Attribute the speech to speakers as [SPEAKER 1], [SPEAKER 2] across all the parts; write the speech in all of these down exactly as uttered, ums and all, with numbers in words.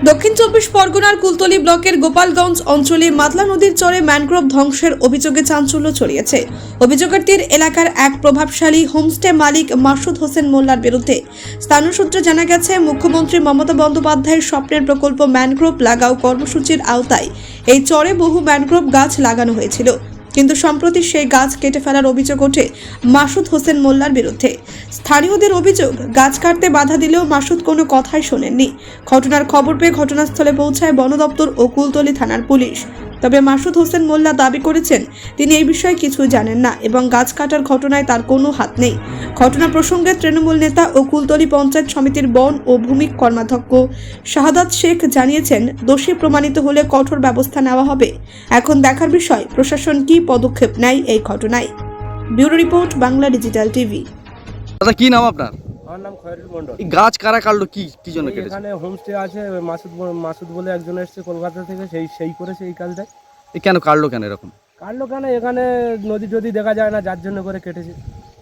[SPEAKER 1] দক্ষিণ চব্বিশ পরগনার কুলতলি ব্লকের গোপালগঞ্জ অঞ্চলে মাতলা নদীর চরে ম্যানগ্রোভ ধ্বংসের অভিযোগে চাঞ্চল্য ছড়িয়েছে। অভিযোগের তীর এলাকার এক প্রভাবশালী হোমস্টে মালিক মাসুদ হোসেন মোল্লার বিরুদ্ধে। স্থানীয় সূত্রে জানা গেছে, মুখ্যমন্ত্রী মমতা বন্দ্যোপাধ্যায়ের স্বপ্নের প্রকল্প ম্যানগ্রোভ লাগাও কর্মসূচির আওতায় এই চরে বহু ম্যানগ্রোভ গাছ লাগানো হয়েছিল, কিন্তু সম্প্রতি সেই গাছ কেটে ফেলার অভিযোগ ওঠে মাসুদ হোসেন মোল্লার বিরুদ্ধে। স্থানীয়দের অভিযোগ, গাছ কাটতে বাধা দিলেও মাসুদ কোনো কথাই শোনেননি। ঘটনার খবর পেয়ে ঘটনাস্থলে পৌঁছায় বন দপ্তর ও কুলতলি থানার পুলিশ। তবে মাসুদ হোসেন মোল্লা দাবি করেছেন তিনি এই বিষয়ে কিছুই জানেন না এবং গাছ কাটার ঘটনায় তার কোনো হাত নেই। ঘটনা প্রসঙ্গে তৃণমূল নেতা ও কুলতলি পঞ্চায়েত সমিতির বন ও ভূমি কর্মাধ্যক্ষ শাহাদাত শেখ জানিয়েছেন, দোষী প্রমাণিত হলে কঠোর ব্যবস্থা নেওয়া হবে। এখন দেখার বিষয় প্রশাসন কি পদক্ষেপ নেয় এই ঘটনায়। Bureau report, Bangla digital TV.
[SPEAKER 2] দাদা কি নাম আপনার?
[SPEAKER 3] আমার নাম খয়রুল মন্ডল।
[SPEAKER 2] এই গাছ কারা কাটলো, কি কি জন্য কেটেছে?
[SPEAKER 3] এখানে হোমস্টে আছে, ওই মাসুদ ব- মাসুদ বলে একজন এসেছে কলকাতা থেকে, সেই সেই করেছে এই কাজটা।
[SPEAKER 2] এই কেন কাটলো কেন এরকম?
[SPEAKER 3] কাটলো কেন, এখানে নদী টদী দেখা যায় না, যার জন্য করে কেটেছে।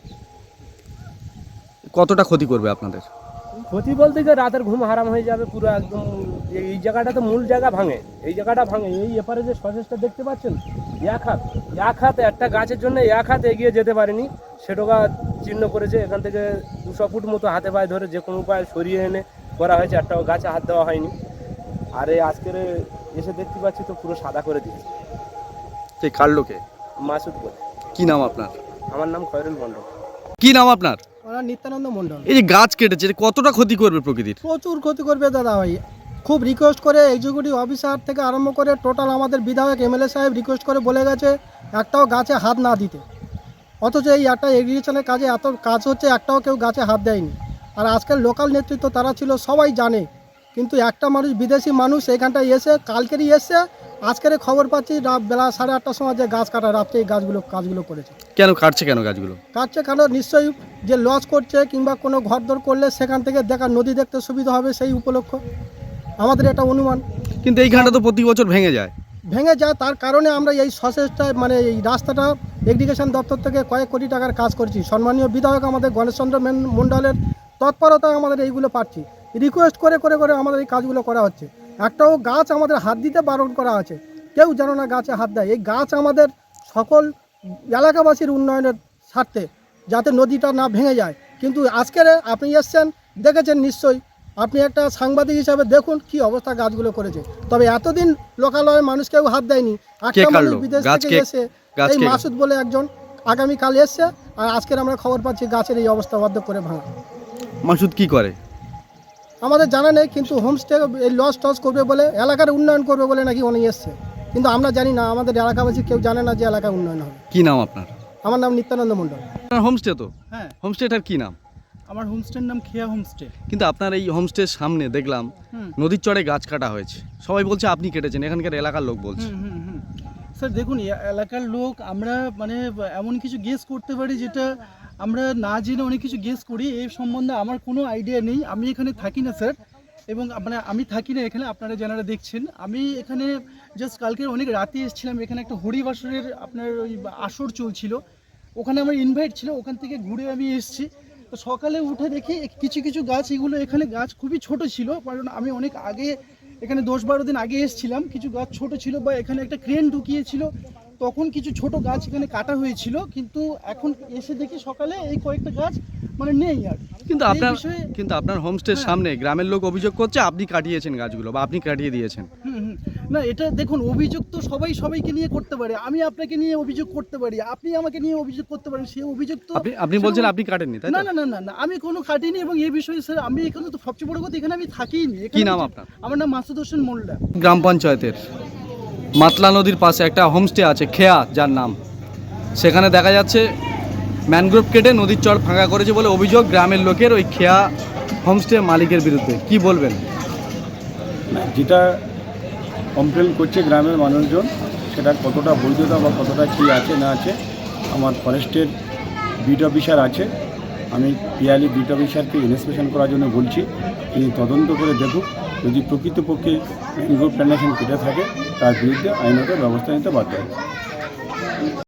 [SPEAKER 2] কতটা ক্ষতি করবে আপনাদের?
[SPEAKER 3] ক্ষতি বলতে গিয়ে রাতের ঘুম হারাম হয়ে যাবে পুরো একদম। এই- এই জায়গাটা তো মূল জায়গা ভাঙে, এই জায়গাটা ভাঙে। এই এপারে যে সসেসটা দেখতে পাচ্ছেন, এক হাত এক হাত একটা গাছের জন্য এক হাত এগিয়ে যেতে পারেনি, সেটা চিহ্ন করেছে। এখান থেকে দুশো ফুট মতো হাতে পায়ে ধরে যে কোনো উপায় সরিয়ে এনে করা হয়েছে, একটা গাছে হাত দেওয়া হয়নি। আর এই আজকের এসে দেখতে পাচ্ছি তো পুরো সাদা করে দিয়েছে।
[SPEAKER 2] সেই কাটলো কে?
[SPEAKER 3] মাসুদ বলে।
[SPEAKER 2] কি নাম আপনার?
[SPEAKER 3] আমার নাম খয়রুল মন্ডল।
[SPEAKER 2] কি নাম আপনার?
[SPEAKER 4] ওরা নিত্যানন্দ মণ্ডল।
[SPEAKER 2] এই যে গাছ কেটেছে, এটা কতটা ক্ষতি করবে প্রকৃতির?
[SPEAKER 4] প্রচুর ক্ষতি করবে দাদা ভাই। খুব রিকোয়েস্ট করে এক্সিকিউটিভ অফিসার থেকে আরম্ভ করে টোটাল আমাদের বিধায়ক এমএলএ সাহেব রিকোয়েস্ট করে বলে গেছে একটাও গাছে হাত না দিতে, অথচ এই একটা এগ্রিকালচারের কাজে এত কাজ হচ্ছে, একটাও কেউ গাছে হাত দেয়নি। আর আজকের লোকাল নেতৃত্ব তারা ছিল, সবাই জানে, কিন্তু একটা মানুষ বিদেশি মানুষ এইখানটায় এসে কালকেরই এসে আজকের খবর পাচ্ছি রাত বেলা সাড়ে আটটার সময় যে গাছ কাটা, রাত্রে এই গাছগুলো কাজগুলো করেছে।
[SPEAKER 2] কেন কাটছে কেন গাছগুলো?
[SPEAKER 4] কাটছে কেন, নিশ্চয়ই যে লস করছে কিংবা কোনো ঘরদোর করলে সেখান থেকে দেখা নদী দেখতে সুবিধা হবে সেই উপলক্ষ, আমাদের এটা অনুমান।
[SPEAKER 2] কিন্তু এইখানটা তো প্রতি বছর ভেঙে যায়।
[SPEAKER 4] ভেঙে যায়, তার কারণে আমরা এই সসেসটা মানে এই রাস্তাটা এগ্রিগেশন দপ্তর থেকে কয়েক কোটি টাকার কাজ করছি। সম্মানীয় বিধায়ক আমাদের গণেশচন্দ্র মেন- মণ্ডলের তৎপরতায় আমাদের এইগুলো পাচ্ছি। রিকোয়েস্ট করে করে করে আমাদের এই কাজগুলো করা হচ্ছে। একটাও গাছ আমাদের হাত দিতে বারণ করা আছে, কেউ যেন না গাছে হাত দেয়। এই গাছ আমাদের সকল এলাকাবাসীর উন্নয়নের স্বার্থে, যাতে নদীটা না ভেঙে যায়। কিন্তু আজকের আপনি এসছেন, দেখেছেন নিশ্চয়ই, আপনি একটা সাংবাদিক হিসাবে দেখুন কি অবস্থা গাছগুলো করেছে। তবে এতদিন লোকালয়ের মানুষ কেউ হাত দেয়নি। একটা মানুষ বিদেশ
[SPEAKER 2] গাছ
[SPEAKER 4] থেকে
[SPEAKER 2] কে-
[SPEAKER 4] এসে
[SPEAKER 2] গাছ
[SPEAKER 4] এই
[SPEAKER 2] কে-
[SPEAKER 4] মাসুদ বলে একজন আগামীকাল এসছে, আর আজকের আমরা খবর পাচ্ছি গাছের এই অবস্থা অর্ধেক করে ভাঙা।
[SPEAKER 2] মাসুদ কি করে
[SPEAKER 4] আমাদের জানা নেই, কিন্তু হোমস্টে এই লস টস করবে বলে, এলাকার উন্নয়ন করবে বলে নাকি উনি এসছে, কিন্তু আমরা জানি না, আমাদের এলাকাবাসী কেউ জানে না যে এলাকার উন্নয়ন হবে।
[SPEAKER 2] কি নাম আপনার?
[SPEAKER 4] আমার নাম নিত্যানন্দ মণ্ডল।
[SPEAKER 2] আপনার হোমস্টে তো?
[SPEAKER 5] হ্যাঁ,
[SPEAKER 2] হোমস্টেটার কি নাম?
[SPEAKER 5] আমার হোমস্টের নাম খেয়া হোমস্টে।
[SPEAKER 2] কিন্তু আপনার এই হোমস্টের সামনে দেখলাম
[SPEAKER 5] হুম
[SPEAKER 2] নদীর চড়ে গাছ কাটা হয়েছে, সবাই বলছে আপনি কেটেছেন, এখানকার এলাকার লোক বলছে।
[SPEAKER 5] হুম হুম হুম স্যার দেখুন, এ- এলাকার লোক আমরা মানে এমন কিছু গেস করতে পারি যেটা আমরা না জেনে অনেক কিছু গেস করি। এই সম্বন্ধে আমার কোনো আইডিয়া নেই। আমি এখানে থাকি না স্যার, এবং মানে আমি থাকি না এখানে, আপনারা যারা দেখছেন। আমি এখানে জাস্ট কালকে অনেক রাতে এসেছিলাম, এখানে একটা হরিবাসরের আপনার ওই আসর চলছিল, ওখানে আমার ইনভাইট ছিল, ওখান থেকে ঘুরে আমি এসেছি। তো সকালে উঠে দেখি কিছু কিছু গাছ, এগুলো এখানে গাছ খুবই ছোট ছিল, কারণ আমি অনেক আগে এখানে দশ বারো দিন আগে এসেছিলাম। কিছু গাছ ছোট ছিল, বা এখানে একটা ক্রেন ঢুকিয়েছিল, তখন কিছু ছোট গাছ এখানে কাটা হয়েছিল। কিন্তু এখন এসে দেখি সকালে এই কয়েকটা গাছ মানে নেই আর।
[SPEAKER 2] কিন্তু
[SPEAKER 5] এই
[SPEAKER 2] আপনার
[SPEAKER 5] বিষয়ে-
[SPEAKER 2] কিন্তু আপনার হোমস্টের
[SPEAKER 5] হ্যাঁ।
[SPEAKER 2] সামনে গ্রামের লোক অভিযোগ করছে আপনি কাটিয়েছেন গাছগুলো, বা আপনি কাটিয়ে দিয়েছেন।
[SPEAKER 5] হুম হুম না, এটা দেখুন, অভিযোগ তো সবাই সবাইকে নিয়ে করতে পারে। আমি আপনাকে নিয়ে অভিযোগ করতে পারি, আপনি আমাকে নিয়ে অভিযোগ করতে পারেন, সেই অভিযোগ তো
[SPEAKER 2] আপনি আপনি বলছেন আপনি কাটেননি, তাই
[SPEAKER 5] না
[SPEAKER 2] তো?
[SPEAKER 5] না না না না আমি কোনো কাটিনি। এবং এই বিষয়ে স্যার আমি এখানে তো সবচেয়ে বড় কথা, এখানে আমি থাকিনি।
[SPEAKER 2] কি
[SPEAKER 5] এখানে
[SPEAKER 2] নাম
[SPEAKER 5] হচ্ছে-
[SPEAKER 2] আপনার?
[SPEAKER 5] আমার নাম মাসুদ হোসেন মোল্লা।
[SPEAKER 2] গ্রাম পঞ্চায়েতের মাতলা নদীর পাশে একটা হোমস্টে আছে খেয়া, যার নাম, সেখানে দেখা যাচ্ছে ম্যানগ্রোভ কেটে নদীর চর ফাঁকা করেছে বলে অভিযোগ গ্রামের লোকের ওই খেয়া হোমস্টে মালিকের বিরুদ্ধে। কি বলবেন?
[SPEAKER 6] না, যেটা কমপ্লেন করছে গ্রামের মানুষজন, সেটা কতটা বৈধতা বা কতটা কী আছে না আছে, আমার ফরেস্টের বিট অফিসার আছে, আমি পিয়ালি বিট অফিসারকে ইনস্পেকশন করার জন্য বলছি। তিনি তদন্ত করে দেখুক, যদি প্রকৃতপক্ষে ম্যানগ্রোভ প্ল্যান্টেশন কেটে থাকে তার বিরুদ্ধে আইনত ব্যবস্থা নিতে বাধ্য হবে।